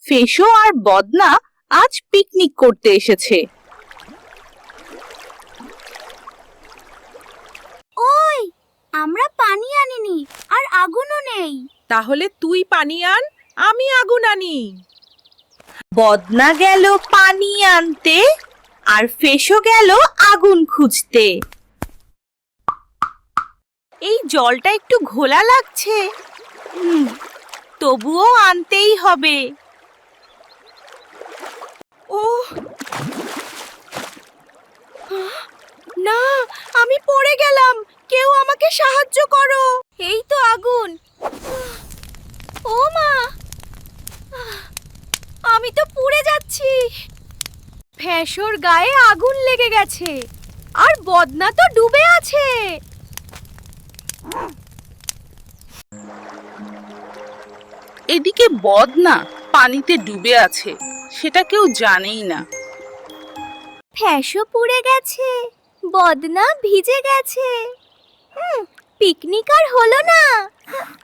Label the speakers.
Speaker 1: ফেসো আর বদনা আজ পিকনিক করতে এসেছে।
Speaker 2: ওই, আমরা পানি আনিনি আর আগুনও নেই।
Speaker 3: তাহলে তুই পানি আন, আমি আগুন আনি।
Speaker 1: বদনা গেল পানি আনতে আর ফেসো গেল আগুন খুঁজতে। এই জলটা একটু ঘোলা লাগছে, তবুও আনতেই হবে।
Speaker 3: ওহ না, আমি পড়ে গেলাম, কেউ আমাকে সাহায্য করো।
Speaker 2: এই তো আগুন। ও মা, আমি তো পুড়ে যাচ্ছি। ফ্যাসোর গায়ে আগুন লেগে গেছে আর বদনা তো ডুবে আছে।
Speaker 1: এদিকে বদনা পানিতে ডুবে আছে, সেটা কেউ জানেই না।
Speaker 2: ফ্যাসো পুড়ে গেছে, বদনা ভিজে গেছে। পিকনিক আর হলো না।